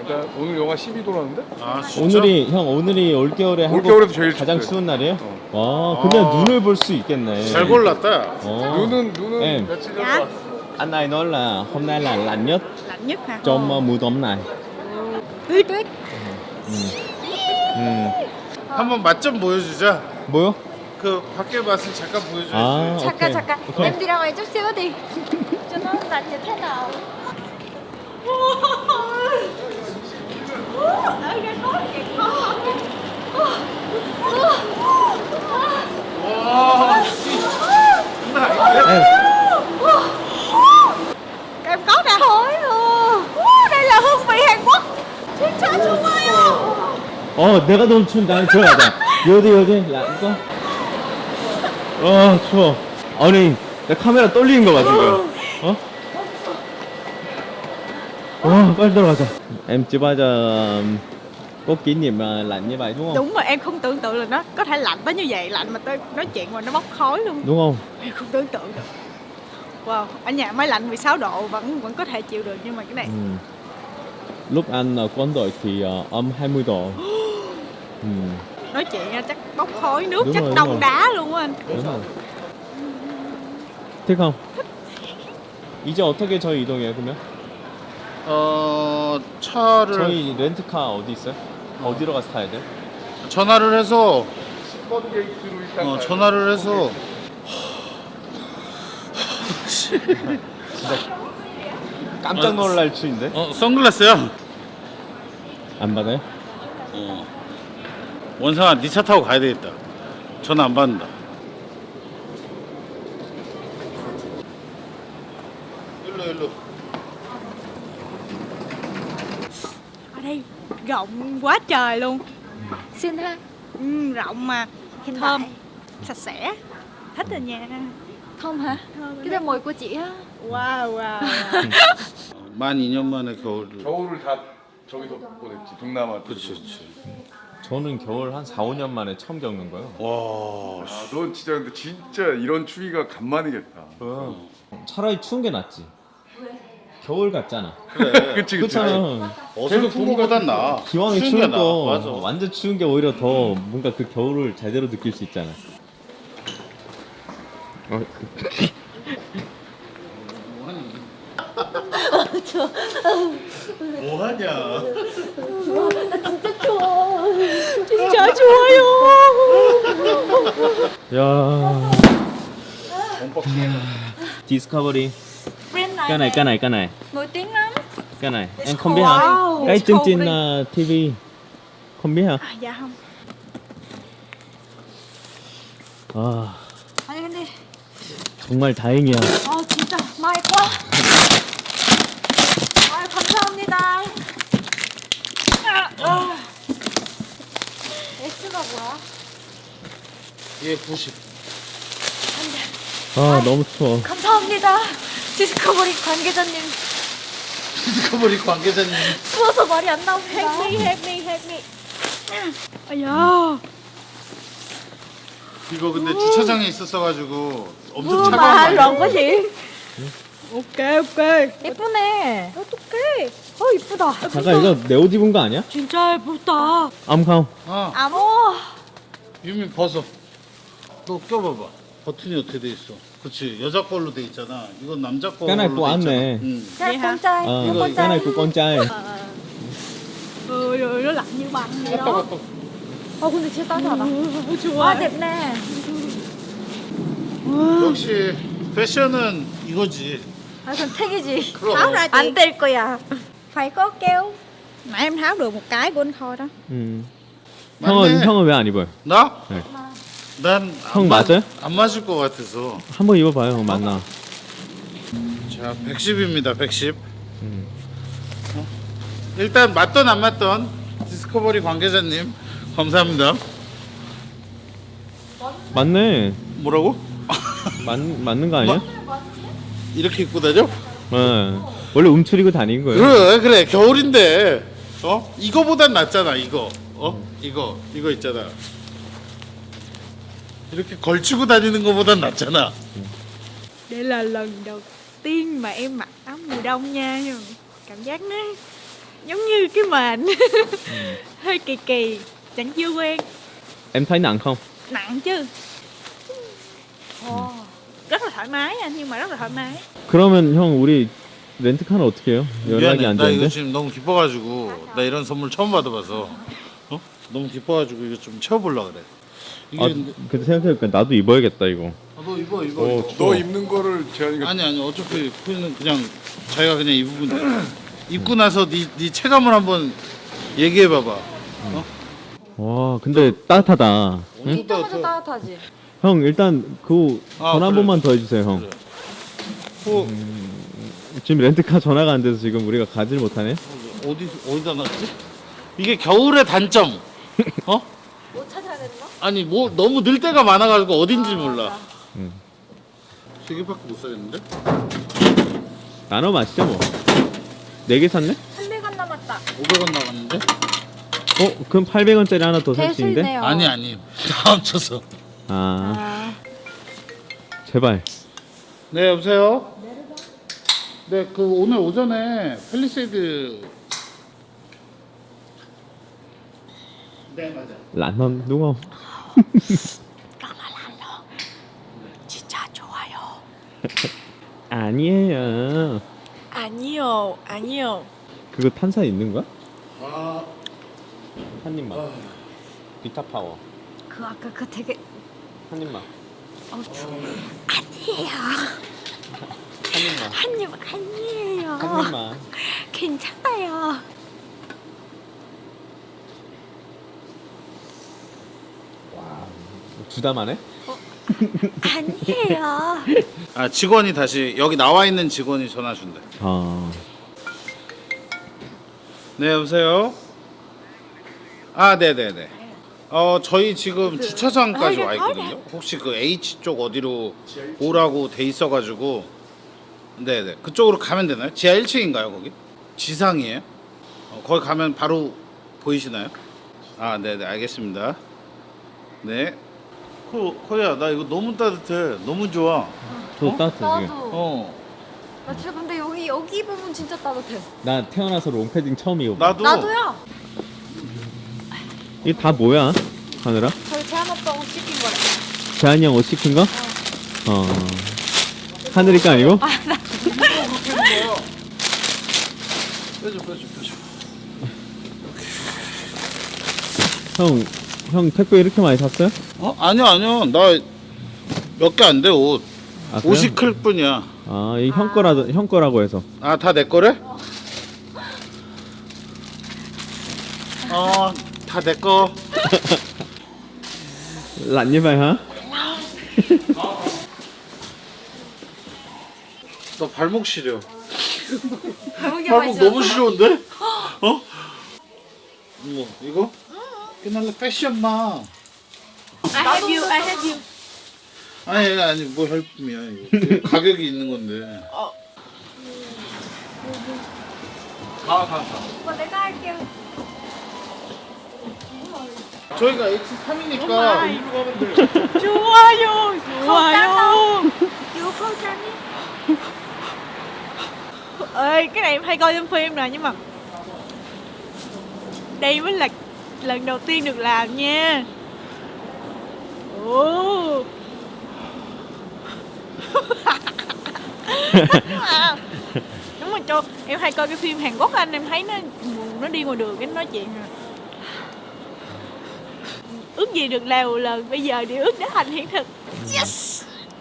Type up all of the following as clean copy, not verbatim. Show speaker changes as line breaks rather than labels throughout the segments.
일단 오늘 영하 12도라는데?
아 진짜?
오늘이 올겨울에
올겨울에도 제일
가장
춥대.
추운 날이에요? 와, 근데 눈을 볼 수 있겠네.
잘 골랐다.
눈은
Em.
며칠 전에
Dạ.
왔어.
Anh này nói là hôm nay là lạnh nhất
Lạnh nhất hả?
trong mùa đông này.
Tuyết tuyết.
한번 맛 좀 보여주자.
뭐요?
그 밖에 맛을 잠깐 보여줘야지.
아,
잠깐
오케이.
잠깐.
오케이.
Em đi ra ngoài chút xíu đi. Cho nó lạnh như thế nào.
Em,
Em có nè. Thôi đây là hương vị Hàn Quốc. 진짜 좋아요.
내가 너무 추운데 들어가자. 여기 란거. 추워. 아니, 내 카메라 떨리는 거 봐 지금. 빨리 들어가자. Em chưa bao giờ có kỷ niệm lạnh như vậy đúng không?
Đúng mà em không tưởng tượng là nó có thể lạnh tới như vậy, lạnh mà tới nói chuyện mà nó bốc khói luôn.
Đúng không?
Em không tưởng tượng được. Wow, ở nhà máy lạnh 16 độ vẫn có thể chịu được nhưng mà cái này.
Lúc anh ở quân đội thì âm 20 độ.
Nói chuyện nha, chắc bốc khói nước,
Đúng
chắc
rồi, đúng
đông
rồi.
đá luôn á anh.
đúng rồi. thích không? 이제 어떻게 저희 이동해요 그러면?
차를
저희 렌트카 어디 있어요? 어디로 가서 타야 돼?
전화를 해서
10번 게이트로 일단 가야 돼.
전화를 해서
깜짝 놀랄 추인데?
선글라스야.
안 받아요?
원상아 네 차 타고 가야 되겠다. 전화 안 받는다. 일로.
Ở đây rộng quá trời luôn.
Xinh ha.
Rộng mà
Hiện
thơm,
tại
sạch sẽ. Thích rồi nha.
Thơm hả? Cái đó mùi của chị á.
Wow.
만 2년 만에 겨울을.
겨울을 다 저기서 보냈지. 동남아.
그렇지.
저는 겨울 한 4, 5년 만에 처음 겪는 거예요.
와.
아, 넌 진짜 근데 진짜 이런 추위가 간만이겠다.
차라리 추운 게 낫지. 겨울 같잖아.
그치.
그렇잖아.
어서 추운 거보단 나.
기왕에
추운 게
추운
나아.
거
맞아.
완전 추운 게 오히려 더 뭔가 그 겨울을 제대로 느낄 수 있잖아.
뭐하냐?
진짜 좋아요.
야. Discovery.
Brand
Cái này.
nổi tiếng lắm.
Cái này em không biết hả?
Wow.
Cái chương trình
Discovery.
TV không biết hả?
Dạ không.
아,
Anh đi.
정말 다행이야.
진짜 may quá. 감사합니다. S가 뭐야?
얘 90.
아, 너무 추워.
감사합니다. 디스커버리 관계자님.
디스커버리 관계자님.
추워서 말이 안 나오네.
Help me. 아야.
이거 근데 주차장에 있었어가지고 엄청
Mà
차가운 거 아니야?
rộng quá chị. Ok.
예쁘네.
어떡해. 이쁘다.
잠깐 이거 내 옷 입은 거 아니야?
진짜 예쁘다.
암캄.
아모.
유민 벗어. 너 껴봐봐. 버튼이 어떻게 돼 있어? 그렇지. 여자 걸로 돼 있잖아. 이건 남자 걸로
cái này
돼
của anh
있잖아.
nè.
응.
Cái
Vậy
này
hả?
con trai.
Ờ,
Nó con
cái này
trai.
của con trai.
Rồi nó lạnh như bằng vậy
갔다
đó.
갔다.
근데 진짜 따뜻하다.
좋아.
아, 덥네.
역시 패션은 이거지.
아, 그럼 택이지.
그럼.
Tháo ra chị.
안 될 거야. phải có keo.
Nãy em tháo được một cái của anh Khôi đó.
맞네.
형은 왜 안 입어요?
나?
네.
난
형 맞아요?
안 맞을 것 같아서.
한번 입어봐요, 형 맞나?
자, 110입니다. 110. 일단 맞던 안 맞던 디스커버리 관계자님 감사합니다.
맞네.
뭐라고?
맞는 거 아니야?
이렇게 입고 다녀?
네. 원래 움츠리고 다니는 거예요.
그래 겨울인데 이거보단 낫잖아 이거 이거 있잖아 이렇게 걸치고 다니는 거보단 낫잖아.
Đây là lần đầu tiên mà em mặc áo mùa đông nha. Cảm giác nó giống như cái mền. Hơi kỳ kỳ, chẳng chưa quen.
Em thấy nặng không?
Nặng chứ. Rất là thoải mái anh, nhưng mà rất là thoải mái.
그러면 형 우리 렌트카는 어떻게 해요? 연락이
미안해.
안
나 이거
되는데?
지금 너무 기뻐가지고 나 이런 선물 처음 받아봐서 너무 기뻐가지고 이거 좀 채워보려 그래. 이게
아,
근데
근데 생각해보니까 나도 입어야겠다 이거.
너 입어.
너 입는 거를 재환이가
아니 어차피 그냥 자기가 그냥 입으면 돼. 입고 나서 네 체감을 한번 얘기해 봐봐.
와 근데 따뜻하다. 응?
입자마자 따뜻하지.
형 일단 그
아,
전화 한
그래.
번만 더 해주세요 형.
그래. 어,
지금 렌트카 전화가 안 돼서 지금 우리가 가지를 못하네.
어디다 놨지? 이게 겨울의 단점. 어?
뭐 찾아야 되나?
아니 뭐 너무 늘 때가 많아가지고 어딘지 몰라.
응.
3개밖에 못 사겠는데?
나눠 마시죠 뭐. 4개 샀네?
300원 남았다.
500원 나갔는데?
그럼 800원짜리 하나 더 살 수 있는데?
대수네요.
아니 다 합쳐서.
아 제발.
네 여보세요? 네 그 오늘 오전에 팰리세이드. 네 맞아.
란넌 누가?
진짜 좋아요.
아니에요.
아니요, 아니요.
그거 탄산 있는 거야?
아
한 입만. 비타 파워.
그 아까 그 되게
한 입만.
아니에요.
한 입만.
한입 아니에요.
한 입만.
괜찮아요.
부담하네?
아니에요.
아 직원이 다시 여기 나와 있는 직원이 전화 준대.
아
네 여보세요? 아 네네네. 저희 지금 주차장까지 와 있거든요. 혹시 그 H 쪽 어디로 오라고 돼 있어가지고 네네 그쪽으로 가면 되나요? 지하 1층인가요 거기? 지상이에요? 거기 가면 바로 보이시나요? 아 네네 알겠습니다. 네. 코야 나 이거 너무 따뜻해. 너무 좋아.
저 따뜻해 지금.
나도. 나 진짜 근데 여기 부분 진짜 따뜻해.
나 태어나서 롱패딩 처음 입어봐.
나도.
나도요.
이게 다 뭐야? 하느라?
저희 제한 오빠 옷 시킨 거래.
재한이 형 옷 시킨 거? 하늘이 거 아니고?
빼줘.
형 택배 이렇게 많이 샀어요?
아니요 나 몇 개 안 돼 옷.
아, 그래요?
옷이 클 뿐이야.
아, 이 형 거라고 해서.
아 다 내 거래? 다 내 거.
란니바이 하?
너 발목 시려.
발목이
발목 너무 시려운데? 뭐 이거? 끝날래 패션마.
I have you, I have you.
아니 뭐 헬품이야 이거. 가격이 있는 건데.
오빠 내가 할게요.
저희가 H3이니까 이리로 가면 돼.
좋아요, 좋아요.
이거 포장이?
Ơi, cái này em hay coi trong phim rồi nhưng mà đây mới là lần đầu tiên được làm nha. Ồ. Đúng rồi cho em hay coi cái phim Hàn Quốc anh, em thấy nó đi ngoài đường cái nó nói chuyện rồi. Ước gì được làm một lần, bây giờ thì ước đã thành hiện thực. Yes.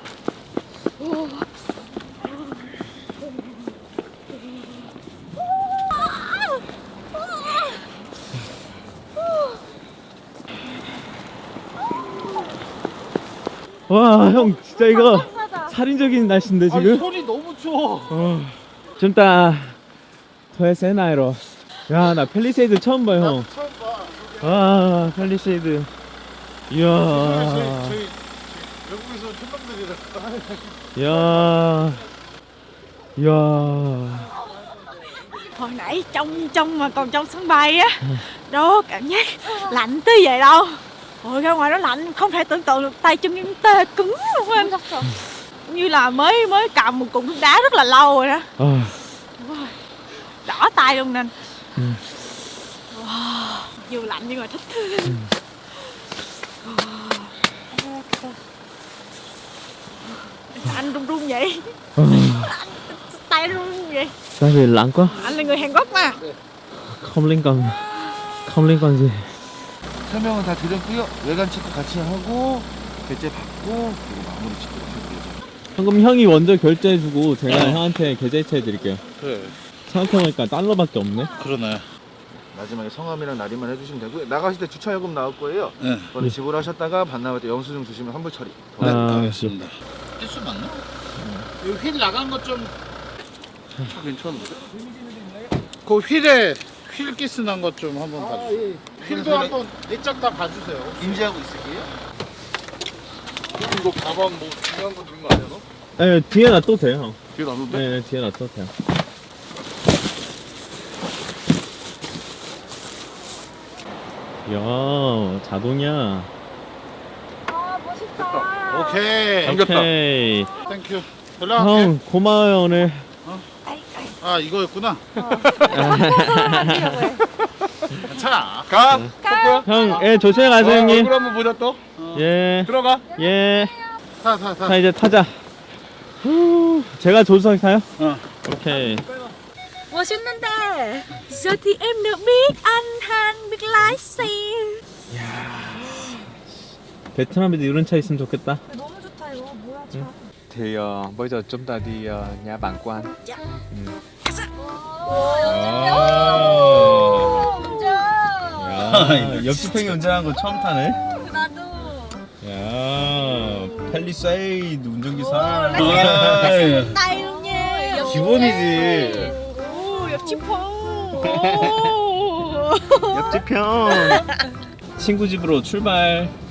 와, 형 진짜 이거 살인적인 날씨인데 지금?
손이 너무 추워.
좀 이따 더해서 나이로. 야, 나 팰리세이드 처음 봐, 형.
처음 봐.
와, 팰리세이드. 이야.
저희 외국에서 촌놈들이라.
이야. 이야.
Hồi nãy trong mà còn trong sân bay á, đó cảm giác lạnh tới vậy đâu. Ôi ra ngoài nó lạnh không thể tưởng tượng được, tay chân em tê cứng luôn anh. Như là mới cầm một cục nước đá rất là lâu rồi đó.
아,
Đỏ tay luôn nè. Wow, dù lạnh nhưng mà thích thương. Sao anh run run vậy? Tay run vậy?
Tại vì lạnh quá.
Anh là người Hàn Quốc mà.
Không liên quan gì.
설명은 다 드렸고요. 외관 체크 같이 하고 결제 받고 그리고 마무리 짓도록 할게요.
방금 형이 먼저 결제해주고 제가 형한테 계좌이체 해드릴게요.
그래.
생각해보니까 달러밖에 없네.
그러네.
마지막에 성함이랑 날이만 해주시면 되고요. 나가실 때 주차요금 나올 거예요.
네.
그거는 지불하셨다가 반 나올 때 영수증 주시면 환불 처리.
네,
아.
알겠습니다. 필수 맞나? 이거 휠 나간 것 좀.
차 괜찮은데?
그 휠에 휠 기스 난 것 좀 한번 봐주세요. 휠도 한번 내적 다 봐주세요.
인지하고 있을게요.
이거 가방 뭐 중요한 거 들은 거 아니야 너?
네, 뒤에 놔둬도 돼요, 형.
뒤에 놔뒀대?
네, 뒤에 놔둬도 돼요. 이야, 자동이야.
아 멋있다.
오케이.
당겼다.
오케이.
땡큐. 연락할게.
형, 고마워요, 오늘.
아 이거였구나. 괜찮아.
가. 뽀뽀야.
형, 예, 조심히 가세요, 형님.
얼굴 한번 보자 또.
예,
들어가.
예.
타.
자, 이제 타자. 후, 제가 조수석 타요?
어.
오케이.
멋있는데. Giờ thì em được biết anh Han biết lái xe.
베트남에도 이런 차 있으면 좋겠다.
너무 좋다 이거. 뭐야 차.
Thì bây giờ chúng ta đi nhà bạn của anh.
야, 옆집 형이 운전하는 거 처음 타네.
나도.
야, 펠리세이드 운전기사.
Tay luôn nha.
기본이지.
Ồ, 옆집 형.
옆집 형. 친구 집으로 출발.